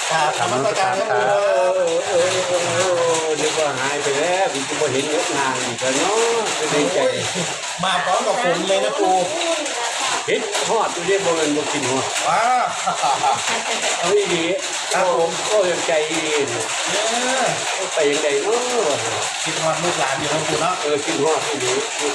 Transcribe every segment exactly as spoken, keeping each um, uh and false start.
ครับธรรมสการครับปู่เออเออเออเออนึกว่าหายไปแล้วพี่จะมาเห็นเยอะนานอีกแล้วเนาะจะดีใจมาพร้อมกับฝนเลยนะปู่เห็ดทอดตัวเรียกว่ามันมากินหัวว้าเอาอีดีครับผมก็ยังใจดีเออไปยังไงเนาะคิดฮอดลูกหลานอยู่นะปู่เนาะเออกินหัวที่ดี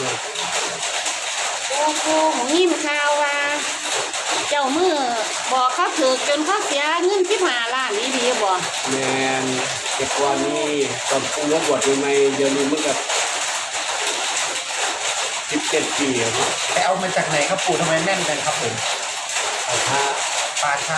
โอ้โหหยินข่าวว่า เจ้ามือบอกเขาถือจนเขาเสียเงินสิบห้าล้านนี่ดีบ่แมนเด็กวันนี้ตอนปูรบบวชใหม่เดี๋ยวนี้มันกับสิบเจ็ดปีแล้วไปเอามาจากไหนครับปู่ทำไมแม่นกันครับผมเอาท่าป่าช้า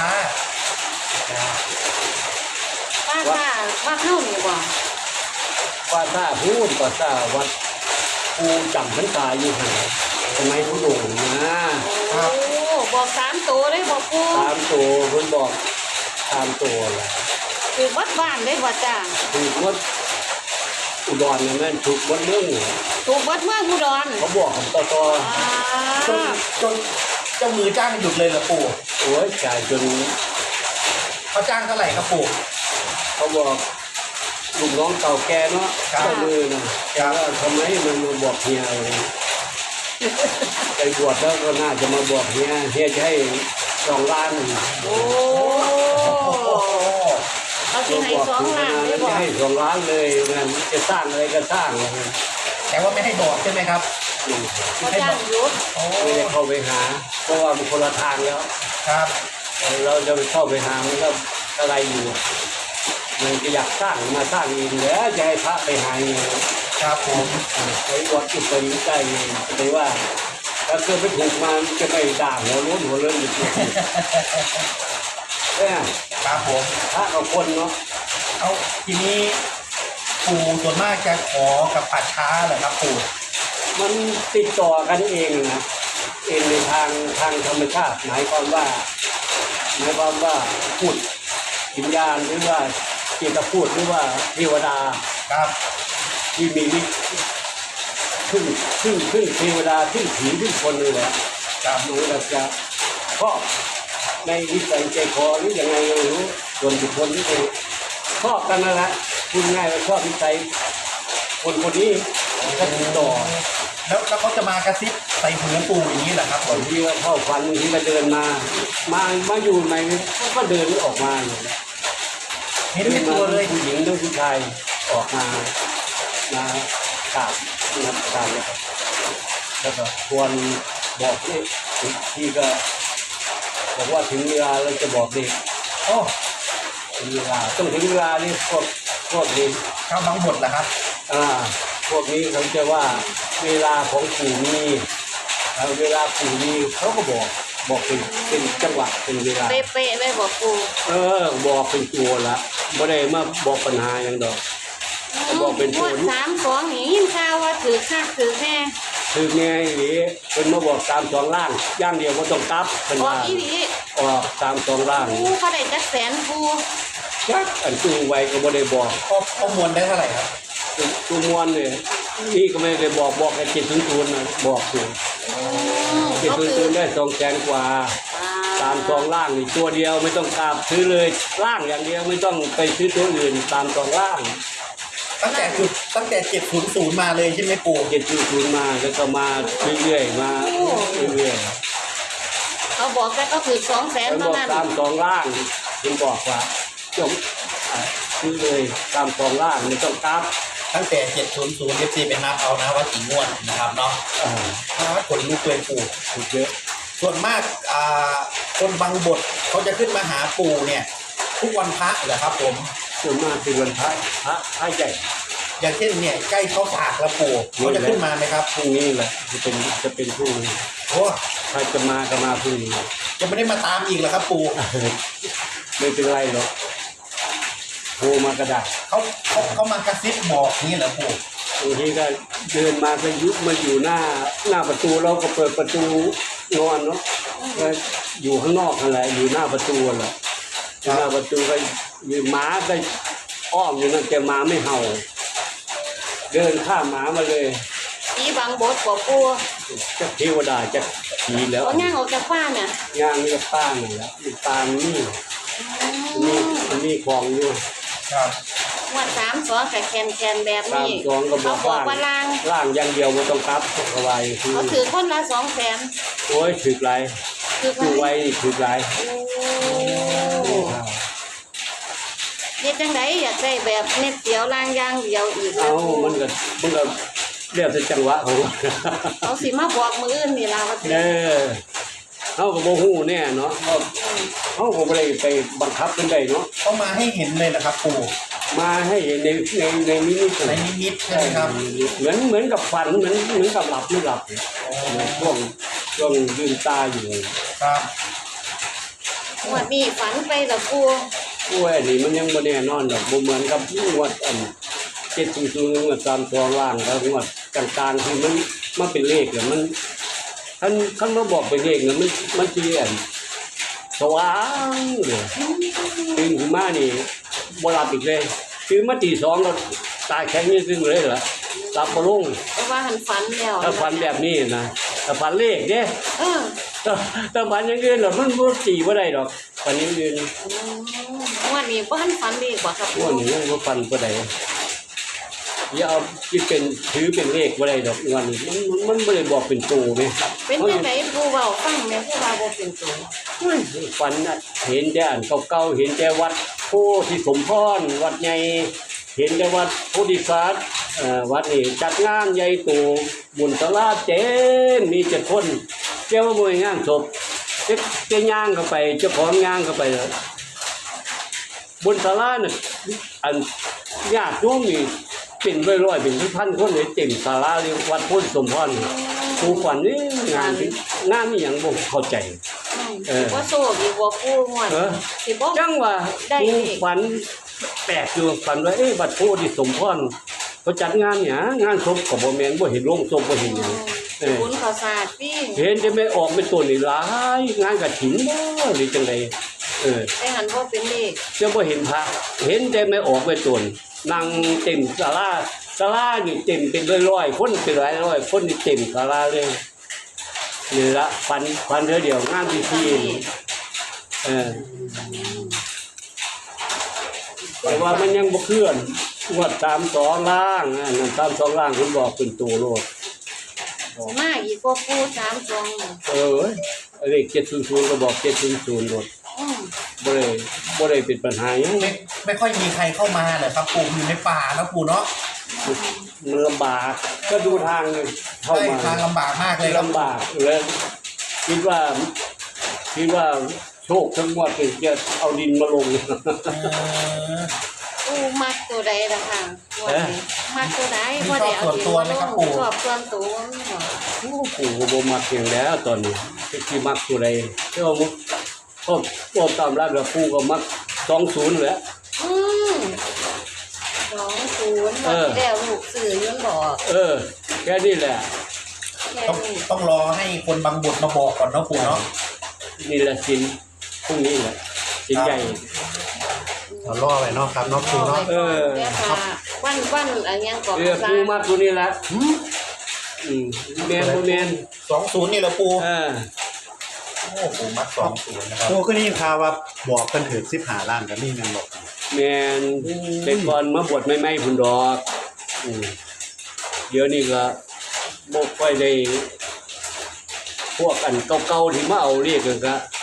ว่าว่าว่าเข้านี่บ่ว่าท่าพูดก็ท่าวัดปูจำพรรษาอยู่ห่างสมัยผู้หลงนะโอ้บอกสามตัวเลยบอกกูตามตัวคนบอกตามตัวแหละคือวัดบ้านเลยบ่จ้าถูกวัดอุดรนั่นนั่นถูกวัดเรื่องถูกวัดเมืองอุดรเขาบอกของต่อต่ออ่าจนจนเจ้ามือจ้างหยุดเลยเหรอปู่โอ้ยจ่ายจนเขาจ้างเท่าไหร่ครับปู่เขาบอกลูกน้องเก่าแก่เนาะครับเจ้ามือนะแต่ว่าทำไมมันมาบอกเฮียอะไรไปบวชแล้วก็น่าจะมาบอกเฮียเฮียจะให้สองล้านโอ้โอ้โหเขาสิให้สองล้านเลยบ่จะให้สองล้านเลยนะจะสร้างอะไรก็สร้างเลยแต่ว่าไม่ให้บอกใช่ไหมครับเขาจ้างหยุดโอ้ไม่ได้เข้าไปหา เพราะว่ามันคนละทางแล้วครับเราจะไปเข้าไปหามันก็อะไรอยู่มันจะอยากสร้างมาสร้างเองแล้วจะให้พระไปหาเองครับผมไอ้วัดอุปนิสัยไปว่าถ้าเกิดไปถูกมาจะไปด่างหัวล้นหัวเลื่อนอยู่ที่เนี่ยครับผมพระกับคนเนาะเอาทีนี้ปู่ส่วนมากจะขอกับป่าช้าเหรอครับปู่มันติดต่อกันเองนะเองในทางทางธรรมชาติหมายความว่าหมายความว่าพูดวิญญาณหรือว่าจิตพูดหรือว่าเทวดาครับที่มีวิขึ้นขึ้นขึ้นเทวดาขึ้นผีขึ้นคนเลยแหละครับหนูเราจะชอบในวิสัยใจคอหรือยังไงไม่รู้ส่วนบุคคลที่เป็นชอบกันนั่นแหละพูดง่ายว่าชอบวิสัยคนคนนี้ก็ติดต่อแล้วแล้วเขาจะมากระซิบใส่หูปู่อย่างนี้เหรอครับผบางมทีก็เข้าฝันบางทีก็เดินมา มามาอยู่ในเขาก็เดินออกมาอยู่เห็นเป็นตัวเลยผู้หญิงหรือผู้ชายออกมามากราบนับการเลยครับแล้วก็ควรบอกเด็กที่ก็บอกว่าถึงเวลาเราจะบอกเด็กโอ้ถึงเวลาต้องถึงเวลานี่พวกพวกนี้เข้าบางบทเหรอครับอ่าพวกนี้เขาจะว่าเวลาของปู่มีแล้วเวลาปู่มีเขาก็บอกบอกเป็นเป็นจังหวะเป็นเวลาเป๊ะๆเลยบอกกูเออบอกเป็นตัวละไม่ได้มาบอกปัญหาอย่างดอก บอกเป็นงศูวดนย์สามสองนี่ยินข่าวว่าถือค่าถือแน่คือไงหรือเป็นมาบอกตามสองล่างย่างเดียวก็ต้องกลับเป็นออกว่าอีหลีออกตามสองล่างกูเขาได้จักแสนกูจักอันตู้ไว้ก็ไม่ได้บอกข้อข้อมูลได้เท่าไหร่ครับตู้มวนเนี่ยนี่ก็ไม่ได้บอกบอกแค่จิตศูนย์ศูนย์นะบอกอยู่อืมจิตเขาศูนย์ถืศูอนย์ได้สองแสนกว่าอ่าตามสองล่างนี่ตัวเดียวไม่ต้องกลับซื้อเลยล่างอย่างเดียวไม่ต้องไปซื้อตัวอื่นตามสองล่างตั้งแต่จุดตั้งแต่เจ็ดศูนย์ศูนย์มาเลยใช่ไหมปู่เจ็ดศูนย์ศูนย์มาแล้วก็มาเรื่อยๆมาเรื่อยๆเขาบอกแต่เขาถือสองแสนมันเท่าบอกนั้นตามสองล่างคุณบอกว่าจงอ่าซื้อเลยตามสองล่างไม่ต้องกลับตั้งแต่เจ็ดศูนย์ศูนย์เอฟซีเป็นนับเอานะว่ากี่งวดนะครับเนาะอ่าถ้าผลลูกเลยปู่ถูกเยอะส่วนมากอ่าคนบางบทเขาจะขึ้นมาหาปู่เนี่ย ทุกวันพระเหรอครับผมส่วนมากเป็นวันพระพระพระใหญ่อย่างเช่นเนี่ยใกล้เข้าสากแล้วปู่เขาจะขึ้นมาไหมครับพรุ่งนี้แหละจะเป็นจะเป็นพรุ่งนี้โอ้ถ้าจะมาก็มาพรุ่งนี้ยังไม่ได้มาตามอีกเหรอครับปู่ไม่เป็นไรหรอกโทรมากระดาษเขาเขาเขามากระซิบบอกนี่เหรอปู่บางทีก็เดินมาก็ยุบมาอยู่หน้าหน้าประตูเราก็เปิดประตูนอนเนาะก็อยู่ข้างนอกนั่นแหละอยู่หน้าประตูแหละอยู่หน้าประตูก็อยู่หมาก็อ้อมอยู่นั่นแต่หมาไม่เห่า เดินข้ามหมามาเลยอีบางบทบอกกูจะเทวดาจะผีแล้วเขาย่างออกจากฟ้าเนี่ยย่างนี่ก็ป้าหนึ่งแล้วมีปลานี่อืนี่มอันนี้มีของอยู่ครับงวดสามสองกับแคนแคนแบบตามนี้สองก็บเขาอกบอกว่าว่าล่างล่างอย่างเดียวบ่ต้องกลับเอาไว้คือเขาถือคนละสองแสนโอ้ยถึกหลายคือถือไว้ถึกหลายโอ้เฮ็ดจังไดอยากได้แบบเม็ดเดียวล่างอย่างเดียวอีกเอามันก็มันก็เรียกแต่จังหวะของมันเขาสิมาบอกมืออื่นนี่ล่ะว่าเด้อเฮาก็บ่ฮู้แน่เนาะเฮาเฮาก็บ่ได้ไปบังคับเพิ่นได้เนาะเขามาให้เห็นเลยนะครับ ปู่มาให้ในในในนิมิตในนิมิตใช่ไหมครับเหมือนเหมือนกับฝันเหมือนเหมือนกับหลับไม่หลับช่วงช่วงลืมตาอยู่ครับงวดนี้ฝันไปแล้วกูโอ้ยอันนี้มันยังบ่แน่นอนดอกบ่เหมือนกับงวดอันเจ็ดศูนย์ศูนย์งวดสามสองล่างแล้วงวดกลางๆที่มันมันเป็นเลขเนี่ยมันคันคันมาบอกเป็นเลขเนี่ยมันมันสิอันสว่างเลยตื่นขึ้นมานี่บ่หลับอีกเลยตื่นมาตีสองก็ตาแข็งนี่ซึ่งเลยเหรอหลับบ่ลงเพราะว่าหันฝันแล้วถ้าฝันแบบนี้นะถ้าฝันเลขเด้เออถ้าถ้าฝันอย่างอื่นน่ะมันบ่ตีบ่ได้ดอกฝันอย่างอื่นอืมงวดนี้บ่ทันฝันดีกว่าครับงวดนี้ยังบ่ฝันบ่ได้อย่าเอาคิดเป็นถือเป็นเลขบ่ได้ดอกงวดนี้มันมันมันบ่ได้บอกเป็นตัวแม่เป็นจังไดผู้เว้าฟังแม่ผู้ว่าบ่เป็นตัวฝันน่ะเห็นแต่อันเก่าๆเห็นแต่วัดโพธิสมพรวัดใหญ่เห็นแต่วัดโพธิสัตว์เอ่อวัดนี้จัดงานใหญ่โตบุญศาลาเต็มมีเจ็ดคนเจ้าบ่ให้งานศพเจ๊เจ๊ย่างเข้าไปเจ้าของย่างเข้าไปเลยบนศาลาน่ะอันญาติโยมนี่เป็นร้อยๆเป็นพันๆคนเลยเต็มศาลาเลยวัดโพธิสมพรนี่ผู้ฝันนี่งานที่งานนี่หยังบ่เข้าใจ เออว่าโซ่ดีกว่าผู้งวดเออสิบ่จังว่าได้ผู้อีกฝันแปลกอยู่ฝันว่าเอ๊ะวัดโพธิสมพรเขาจัดงานหยังงานศพก็บ่แม่นบ่เห็นโรงศพบ่เห็นหยัง เออบุญข้าวสารพี่เห็นจะไม่ออกเป็นตัวนี่หลายงานกฐินบ่หรือจังไดเออแต่หันบ่เป็นเลขจะบ่เห็นพระเห็นแต่ไม่ออกเป็นตัวนั่งเต็มศาลาศาลานี่เต็มเป็นร้อยๆคนเป็นหลายร้อยคนนี่เต็มศาลาเลยนี่ละฟันฟันเท่อเดียวงานพิธีนี่เออแต่ว่ามันยังบ่เคลื่อนงวดตามสองล่างอันนั้นตามสองล่างเพิ่นบอกเป็นตัวโลดมาอีกกว่าผู้สามสองเออเลขเจ็ดศูนย์ศูนย์ก็บอกเจ็ดศูนย์ศูนย์โลดอืมบ่ได้บ่ได้เป็นปัญหาหยังไม่ไม่ค่อยมีใครเข้ามาเลยครับ ปู่อยู่ในป่านะปู่เนาะมันลำบากก็ดูทางเข้าใช่มาทางลำบากมากเลยครับลำบากเลยคิดว่าคิดว่าโชคทั้งหมดจะเอาดินมาลงเออผู้มักตัวใดล่ะค่ะงวดนี้มักตัวใดมีบ่ได้เอาชอบส่วนตัวไหมครับปู่ชอบส่วนตัวนี่หรอโอ้ปู่ก็บ่มักเพียงแล้วตอนนี้ที่มักตัวใดที่ว่ามุกก็ก็ตามรับแล้วปู่ก็มักสองศูนย์แหละอืมสองศูนย์เออแล้วลูกสื่อยืนบอกเออแค่นี้แหละแค่ต้องนี้ต้องรอให้คนบางบทมาบอกก่อนเนาะปู่เนาะนี่แหละสินพรุ่งนี้แหละสินใหญ่เรารอไปเนาะครับเนาะปู่เนาะเออเดี๋ยวค่ะวันวันอะไรยังก่อนเออปู่มักตัวนี้แหละอืมแม่นบ่แม่นสองศูนย์นี่แหละปู่เออโอ้ปู่มัดสองศูนย์นะครับโอ้ก็นี่ข่าวว่าบอกกันถือสิบหาล้านกับนี่ยังบอกแม่นแต่ก่อนมาบวชใหม่ๆพุ่นดอกอืมเดี๋ยวนี้ก็บ่ค่อยได้พวกอันเก่าๆที่มาเอาเรียกกันก็